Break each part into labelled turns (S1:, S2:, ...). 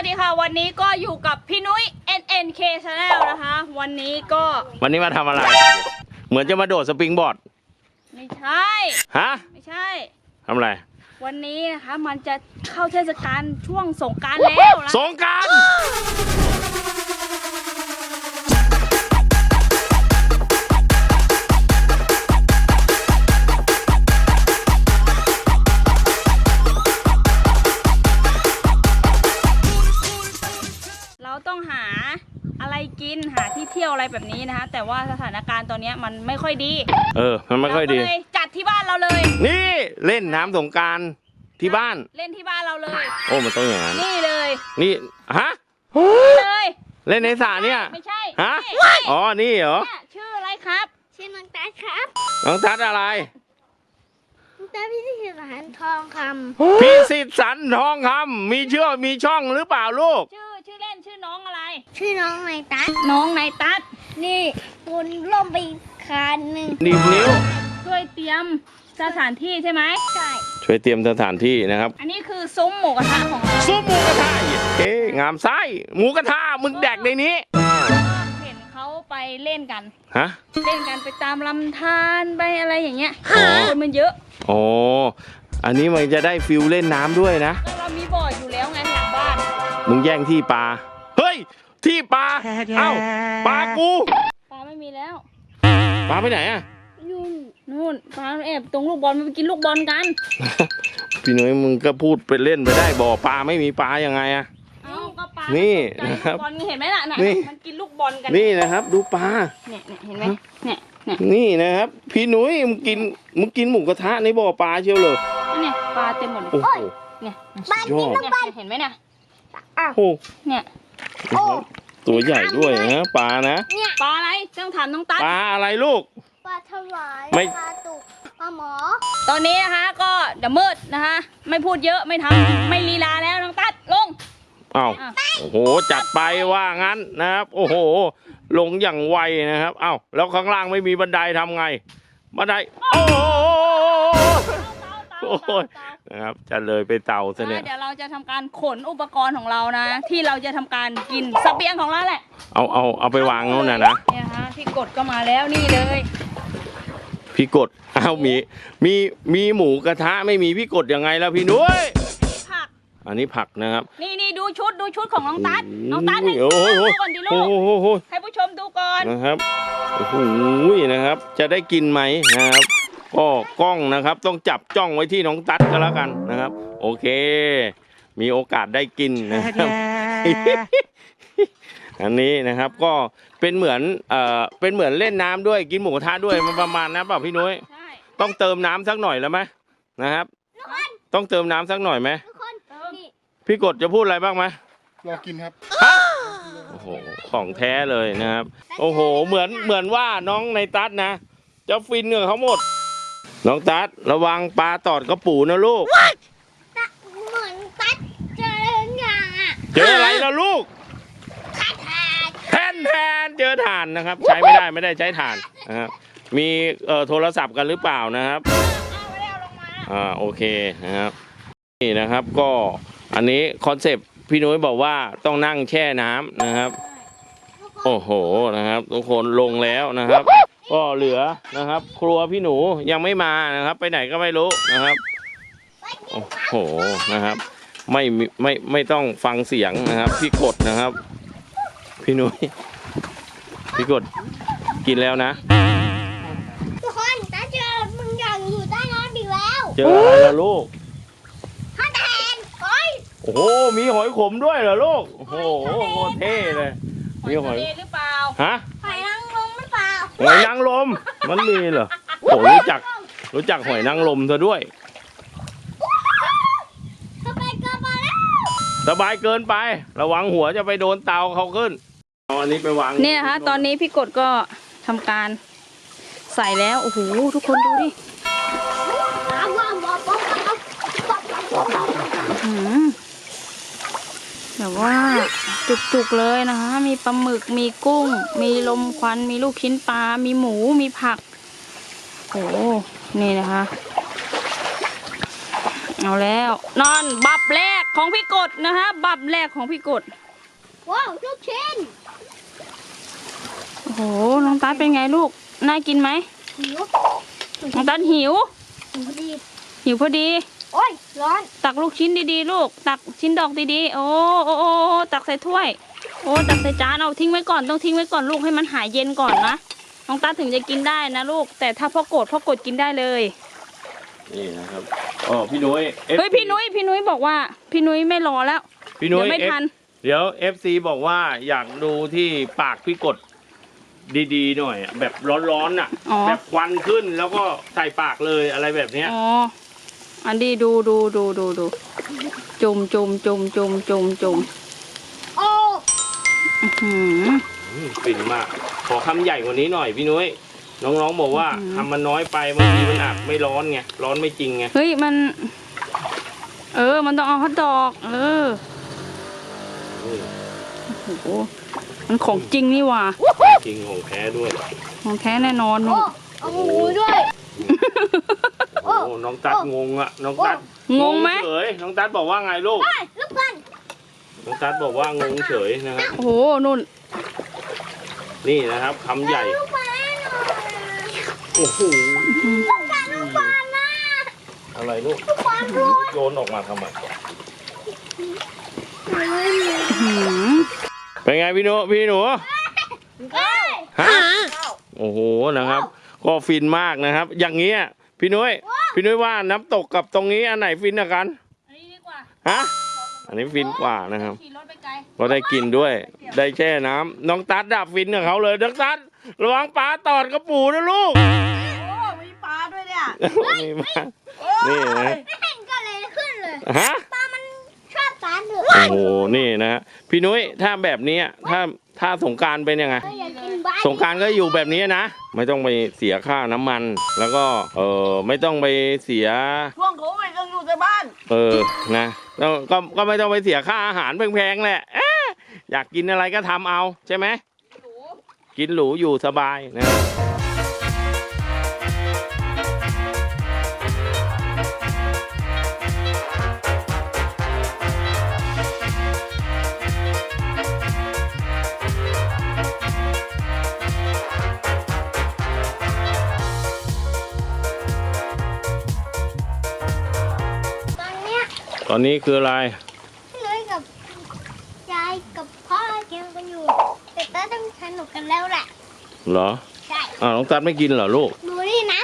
S1: ดีค่ะวันนี้ก็อยู่กับพี่นุ้ย NNK Channel นะคะวันนี้
S2: มาทำอะไร เหมือนจะมาโดดสปริงบอร์ด
S1: ไม่ใช่
S2: ฮะ
S1: ไม่ใช่
S2: ทำอะไร
S1: วันนี้นะคะมันจะเข้าเทศกาลช่วงสงกรานต์แล้วนะ
S2: สงกรานต์
S1: เราต้องหาอะไรกินหาที่เที่ยวอะไรแบบนี้นะคะแต่ว่าสถานการณ์ตอนนี้มันไม่ค่อยดี
S2: มันไม่ค่อยดี
S1: เลยจัดที่บ้านเราเลย
S2: นี่เล่นน้ำสงกรานต์ที่บ้าน
S1: เล่นที่บ้านเราเลย
S2: โอ้มันต้องอย่างนั้น
S1: นี่เลย
S2: นี่ฮะ
S1: เลย
S2: เล่นในสระเนี่ย
S1: ไม่ใช่
S2: ฮะอ๋อนี่เหรอ
S1: ชื่ออะไรครับชื่อน้องตั๊ดครับ
S2: น้องตั๊ดอะไร
S1: น้องตั๊ดพิสิทธิ์สันทองค
S2: ำพิสิทธิ์สันทองคำมีช่องหรือเปล่าลูก
S1: ชื่อเล่นชื่อน้องอะไรชื่อน้องนายตั๊ดน้องนายตั๊ดนี่คุณล่มไปคันหนึ่ง
S2: นิ้ว
S1: ช่วยเตรียมสถานที่ใช่ไหมใช่
S2: ช่วยเตรียมสถานที่นะครับ
S1: อันนี้คือซุ้มหมูกระทะของเรา
S2: ซุ้มหมูกระทะงามไส้หมูกระทะมึงแดกในนี้
S1: เห็นเขาไปเล่นกัน
S2: ฮะ
S1: เล่นกันไปตามลำธารไปอะไรอย่างเงี้ยคนมันเยอะ
S2: อ๋ออันนี้มันจะได้ฟิลเล่นน้ำด้วยนะ
S1: เรามีบ่ออยู่แล้วไงหลังบ้าน
S2: มึงแย่งที่ปลาเฮ้ยที่ปลาเอ้าปลากู
S1: ปลาไม่มีแล้ว
S2: ปลาไปไหนอะ
S1: นู่นปลาแอบตรงลูกบอลมันไปกินลูกบอลกัน
S2: พี่นุ้ยมึงก็พูดไปเล่นไปได้บ่อปลาไม่มีปลายังไงอะ
S1: ก็ปลา
S2: นี่นะครับ
S1: บอลเห็นไหมล่ะมันกินลูกบอลกัน
S2: นี่นะครับดูปลา
S1: เนี่ยเห็นไหมเนี่ย
S2: นี่นะครับพี่นุ้ยมึงกินหมูกระทะในบ่อปลาเชียวเลย
S1: เนี่ยปลาเต็มหมดเลย
S2: โอ้โห
S1: เนี่ยปลากินลูกบอลเห็นไหมเนี่ย
S2: โอ้
S1: เนี่ย
S2: ตัวใหญ่ด้วยนะปลานะ
S1: ปลาอะไรต้องถามน้องตั๊ด
S2: ปลาอะไรลูก
S1: ปลาถวายปลาตุกปลาหมอตอนนี้นะคะก็เดี๋ยวมืดนะคะไม่พูดเยอะไม่ทำไม่ลีลาแล้วน้องตั๊ดลง
S2: อ้าวโอ้โหจัดไปว่างั้นนะครับโอ้โหลงอย่างไวนะครับอ้าวแล้วข้างล่างไม่มีบันไดทำไงบันไดโอ้โหนะครับจะเลยไปเตาซะเนี่ย
S1: เดี๋ยวเราจะทำการขนอุปกรณ์ของเรานะที่เราจะทำการกินเสบียงของเราแหละ
S2: เอาไปวางโน่นนะ
S1: เนี่ยฮะพี่กดก็มาแล้วนี่เลย
S2: พี่กดมีหมูกระทะไม่มีพี่กดยังไงแล้วพี่นุ้ย
S1: ผัก
S2: อันนี้ผักนะครับ
S1: นี่ดูชุดของน้องตั๊ดให้ดูก่อนดิลูกให้ผู้ชมดูก่อน
S2: นะครับโอ้โหนะครับจะได้กินไหมนะครับก็กล้องนะครับต้องจับจ้องไว้ที่น้องตั๊ดก็แล้วกันนะครับโอเคมีโอกาสได้กินนะครับอันนี้นะครับก็เป็นเหมือนเล่นน้ำด้วยกินหมูกระทะด้วยมันประมาณนั้นเปล่าพี่นุ้ยต้องเติมน้ำสักหน่อยแล้วไหมนะครับต้องเติมน้ำสักหน่อยไหมพี่กดจะพูดอะไรบ้างไหม
S3: รอกินครับ
S2: โอ้โหของแท้เลยนะครับโอ้โหเหมือนว่าน้องในตั๊ดนะจะฟินกับเขาหมดน้องตั๊ดระวังปลาตอดกระปูนะลูก
S1: เหมือนตั๊ดเจออย่างอ่ะ
S2: เจออะไรนะลูกแทนเจอถ่านนะครับใช้ไม่ได้ใช้ถ่านนะครับมีโทรศัพท์กันหรือเปล่านะครับโอเคนะครับนี่นะครับก็อันนี้คอนเซปต์พี่นุ้ยบอกว่าต้องนั่งแช่น้ำนะครับโอ้โหนะครับทุกคนลงแล้วนะครับก็เหลือนะครับครัวพี่หนูยังไม่มานะครับไปไหนก็ไม่รู้นะครับโอ้โหนะครับไม่ต้องฟังเสียงนะครับพี่กดนะครับพี่นุ้ยพี่กดกินแล้วนะ
S1: ทุกคนตาเจอมึงยังอยู่ใต้น้ำอีกแล้ว
S2: เจออะไรล่ะลูก
S1: หอยแทน
S2: โอ้โหมีหอยขมด้วยเหรอลูกโอ้โหโคตรเท่เลย
S1: มีหอยหรือเปล่า
S2: ฮะ
S1: หอยนางรมหรือเปล่า
S2: หอยนางรมมันมีเหรอโอ้รู้จักหอยนางรมเธอด้วย
S1: สบายเกินไปแล้ว
S2: สบายเกินไประวังหัวจะไปโดนเตาเขาขึ้นอันนี้ไปวาง
S1: เนี่ยนะคะตอนนี้พี่กดก็ทำการใส่แล้วโอ้โหทุกคนดูดิแบบว่าจุกๆเลยนะคะมีปลาหมึกมีกุ้งมีลมควันมีลูกชิ้นปลามีหมูมีผักโอ้นี่นะคะเอาแล้วนอนบับแรกของพี่กดนะคะบับแรกของพี่กด
S3: ว้าวลูกชิ้น
S1: โอ้โหน้องตั๊ดเป็นไงลูกน่ากินไหม
S3: หิว
S1: น้องตั๊ดหิว
S3: พอดี
S1: หิวพอดี
S3: โอ้ยร้อน
S1: ตักลูกชิ้นดีๆลูกตักชิ้นดอกดีๆโอ้ตักใส่ถ้วยโอ้ตักใส่จานเอาทิ้งไว้ก่อนต้องทิ้งไว้ก่อนลูกให้มันหายเย็นก่อนนะน้องตั๊ดถึงจะกินได้นะลูกแต่ถ้าพ่อกดกินได้เลย
S2: นี่นะครับอ๋อพี่นุ้ย
S1: เฮ้ยพี่นุ้ยบอกว่าพี่นุ้ยไม่รอแล้ว
S2: พี่นุ้ย
S1: ไม่ทัน
S2: เดี๋ยว FC บอกว่าอยากดูที่ปากพี่กดดีๆหน่อยแบบร้อนๆอ่ะแบบควันขึ้นแล้วก็ใส่ปากเลยอะไรแบบเนี้ย
S1: อ๋ออันนี้ดูจุ่ม
S3: โอ้
S2: ฟินมากขอคำใหญ่กว่านี้หน่อยพี่นุ้ยน้องๆบอกว่าทำมันน้อยไปบางทีมันอาจไม่ร้อนไงร้อนไม่จริงไง
S1: เฮ้ยมันมันต้องเอาฮอทดอกโอ้โหมันของจริงนี่ว่ะ
S2: จริงของแท้ด้วย
S1: ของแท้แน่นอน
S3: นุ๊กเอาหมูด้วย
S2: โอ้น้องตัดงงอะน้องตัด
S1: งงไหม
S2: เฉยน้องตัดบอกว่าไงลูก
S3: ลูกกัน
S2: น้องตัดบอกว่างงเฉยนะครับ
S1: โอ้โหนุ่น
S2: นี่นะครับคำใหญ่โอ้โห
S3: ลูกกันนะ
S2: อะไรลูกโยนออกมาทำไมเป็นไงพี่หนูฮะโอ้โหนะครับก็ฟินมากนะครับอย่างเงี้ยพี่นุ้ยว่าน้ำตกกับตรงนี้อันไหนฟินกว่ากัน
S1: อันนี้ดีกว่า
S2: ฮะอันนี้ฟินกว่านะครับก็ได้กินด้วยได้แช่น้ำน้องตัดดับฟินกับเขาเลยน้องตัดระวังปลาตอดกระปูนะลูก
S3: มีปลาด้วยเนี่ย
S2: มีมานี่นะ
S3: ไม่เห็นก็เลยขึ้นเลย
S2: ฮะ
S3: ปลามันชอบปลาเดือด
S2: โอ้โหนี่นะพี่นุ้ยถ้าแบบนี้ถ้าสงกรานต์เป็นยังไงสงกรานต์ก็อยู่แบบนี้นะไม่ต้องไปเสียค่าน้ำมันแล้วก็ไม่ต้องไปเสีย
S3: ช่วงโควิดต้องอยู่ในบ้าน
S2: นะแล้วก็ไม่ต้องไปเสียค่าอาหารแพงๆแหละอยากกินอะไรก็ทำเอาใช่ไหมกินหรูอยู่สบายนะตอนนี้คืออะไร
S3: พี่นุ้ยกับยายกับพ่อกินกันอยู่แต่ต้าต้องสนุกกันแล้วแหละ
S2: เหรอ
S3: ใช่
S2: น้องตัดไม่กินเหรอลูก
S3: ดูนี่นะ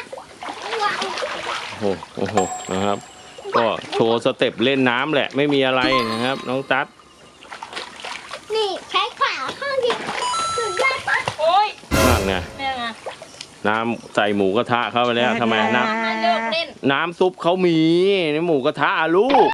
S2: โอ้โหนะครับก็โชว์สเต็ปเล่นน้ำแหละไม่มีอะไรนะครับน้องตัด
S3: นี่ใช้ขาข้างเดียวสุดยอดปะ
S1: โอ้ย
S2: นั่นไงน้ำใส่หมูกระทะเข้าไปแล้วทำไมน้ำซุปเขามีในหมูกระทะลูก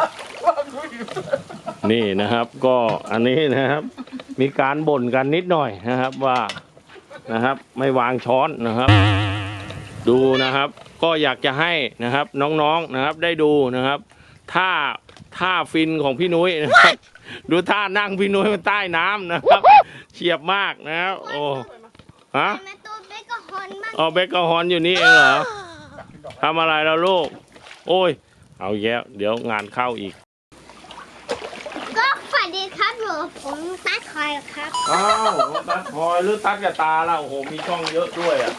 S2: นี่นะครับก็อันนี้นะครับมีการบ่นกันนิดหน่อยนะครับว่านะครับไม่วางช้อนนะครับดูนะครับก็อยากจะให้นะครับน้องๆนะครับได้ดูนะครับท่าฟินของพี่นุ้ยนะครับดูท่านั่งพี่นุ้ยมันใต้น้ำนะครับเฉียบมากนะครับโอ้ฮะเบคกฮอนอยู่นี่เองเหรอทำอะไรแล้วลูกโอ้ยเอาแย่เดี๋ยวงานเข้าอีก
S3: ก็สวัสดีครับผมตัดคอยครับ
S2: อ้าวตัดคอยหรือตัดกับตาแล้วโอ้โหมีช่องเยอะด้วยอ่ะ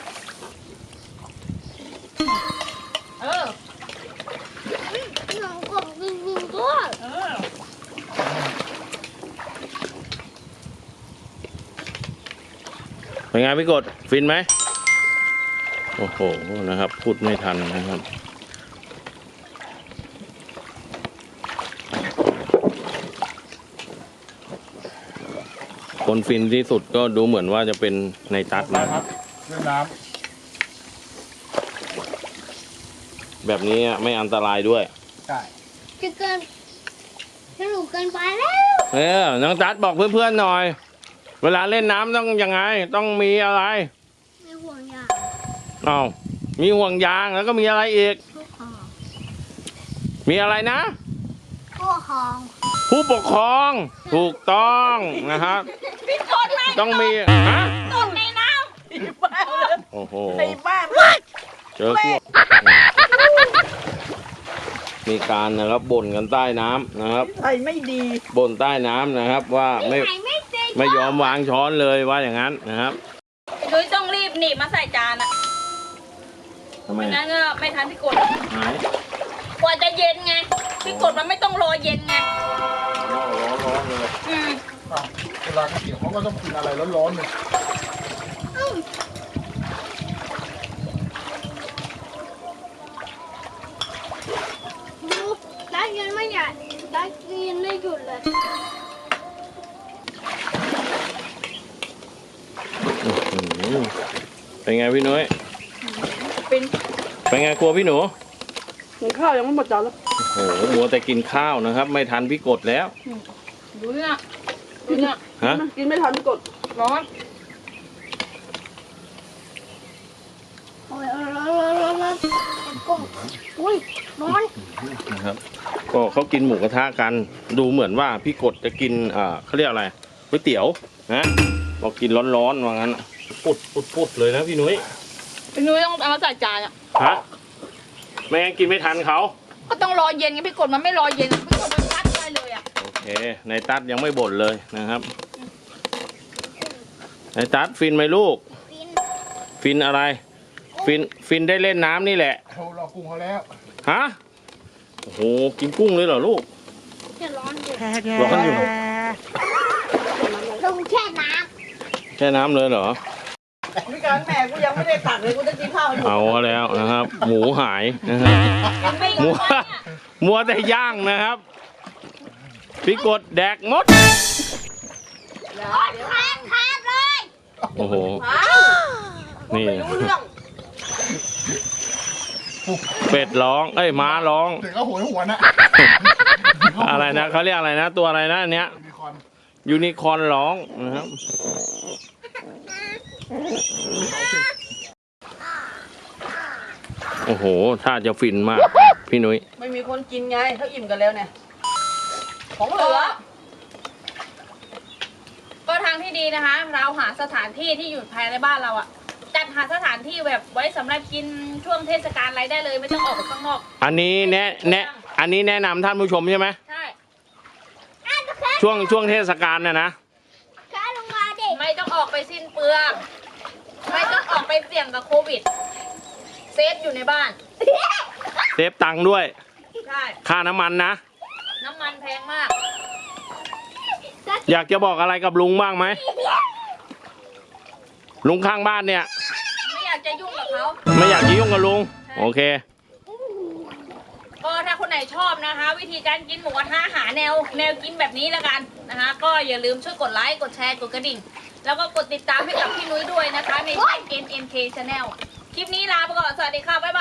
S3: หนังกบจริงๆด้วย
S2: เป็นไงพี่กดฟินไหมโอ้โหนะครับพูดไม่ทันนะครับคนฟินที่สุดก็ดูเหมือนว่าจะเป็นในตัดนะครับเรื่องน้ำแบบนี้ไม่อันตรายด้วย
S3: ใช่จะเกินสนุกเกินไปแล้ว
S2: น้องตัดบอกเพื่อนๆหน่อยเวลาเล่นน้ำต้องยังไงต้องมีอะไร
S3: มีห่วงยาง
S2: มีห่วงยางแล้วก็มีอะไรอีกมีอะไรนะผู้ปกครองถูกต้องนะครับต้องมี
S1: ตกในน้
S2: ำโอ้โหเจอพวกมีการนะครับบ่นกันใต้น้ำนะครับ
S4: ใส่ไม่ดี
S2: บ่นใต้น้ำนะครับว่าไม่ยอมวางช้อนเลยว่าอย่างนั้นนะครับ
S1: นุ้ยต้องรีบหนีบมาใส่จานอ่ะ
S2: ทำไม
S1: ไม่งั้นก็ไม่ทันพี่กด
S2: หาย
S1: กว่าจะเย็นไงพี่กดมันไม่ต้องรอเย็นไง
S2: ร้อนเลย
S1: อืม
S5: เวลาเขาเกี่ยวเขาก็ต้องกินอะไรร้อนๆเนี่ย
S3: ดูได้ยินไหมเนี่ยได้ยินไม่หยุดเลย
S2: เป็นไงพี่นุ้ย
S4: เป็น
S2: เป็นไงครัวพี่หนู
S4: หุงข้าวยังไม่หมดจานแล้ว
S2: โอ้โหมัวแต่กินข้าวนะครับ ไม่ทันพี่กดแล้ว
S1: ดูเนี่ยดูเนี่ย
S2: ฮะ
S4: กินไม่ทันกด
S1: ร้อน
S3: โอ้ยร้อนกุ้งอุ้ยร้อน
S2: นะครับก็เขากินหมูกระทะกัน ดูเหมือนว่าพี่กดจะกินเขาเรียกอะไรก๋วยเตี๋ยวนะบอกกินร้อนๆว่างั้นปุดเลยนะพี่นุ้ย
S1: พี่นุ้ยต้องเอามาใส่จานอ่ะ
S2: ฮะไม่งั้นกินไม่ทันเขา
S1: ก็ต้องรอเย็นไงพี่กดมันไม่รอเย็นพี่กดมันซัดได้เลยอ่ะ
S2: โอเคในตัดยังไม่บ่นเลยนะครับในตัดฟินไหมลูก
S3: ฟิน
S2: ฟินอะไร ฟินได้เล่นน้ำนี่แหละ
S5: เขารอกุ้งเขาแล้ว
S2: ฮะโอ้โหกินกุ้งเลยเหรอลูก
S3: จะร้อนอยู่
S2: ร้อนอยู่
S3: ลงแช่น้
S2: แช่น้ำเลยเหรอ
S4: มีการแม่กูยังไม่ได้ตักเลยกูจะกินข้าวให้หมด
S2: เอาแล้วนะครับ หมูหายนะครับ
S1: ไม่
S2: มั
S1: รู้
S2: วมัวแต่ย่างนะครับพี่กดแดกหมด
S3: ำขาดเลย
S2: โอ้โห
S4: อ้าว
S2: นี่
S4: ไม่รู้เรื่อง
S2: เป็ดร้องเอ้ยม้าร้อง
S5: เด็กก็โหยหวนอะ
S2: อะไรนะเขาเรียกอะไรนะ ตัวอะไรนะอันเนี้ย
S5: มีคอน
S2: ยูนิคอร์นร้องนะครับโอ้โหถ้าจะฟินมากพี่นุ้ย
S4: ไม่มีคนกินไงเขาอิ่มกันแล้วเนี่ยของเหลือ
S1: ก็ทางที่ดีนะคะ เราหาสถานที่ที่อยู่ภายในบ้านเราอ่ะจัดหาสถานที่แบบไว้สำหรับกินช่วงเทศกาลอะไรได้เลยไม่ต้องออกไปข้างนอก
S2: อันนี้อันนี้แนะนำท่านผู้ชมใช่ไหม
S1: ใช่
S2: ช่วงเทศกาลน่ะนะ
S3: ขาลงมาดิ
S1: ไม่ต้องออกไปสิ้นเปลืองไม่ต้องออกไปเสี่ยงกับโควิดเซฟอยู่ในบ้าน
S2: เซฟตังค์ด้วย
S1: ใช่
S2: ค่าน้ำมันนะ
S1: น้ำมันแพงมาก
S2: อยากจะบอกอะไรกับลุงบ้างไหมลุงข้างบ้านเนี่ย
S1: ไม่อยากจะยุ่งกับเขา
S2: ไม่อยากยุ่งกับลุงโอเค
S1: ก็ถ้าคนไหนชอบนะคะ วิธีการกินหมูกระทะหาแนวกินแบบนี้แล้วกันนะคะ ก็อย่าลืมช่วยกดไลค์กดแชร์กดกระดิ่ง แล้วก็กดติดตามให้กับพี่นุ้ยด้วยนะคะ ในช่อง NNK Channel คลิปนี้ลาไปก่อนสวัสดีค่ะบ๊ายบาย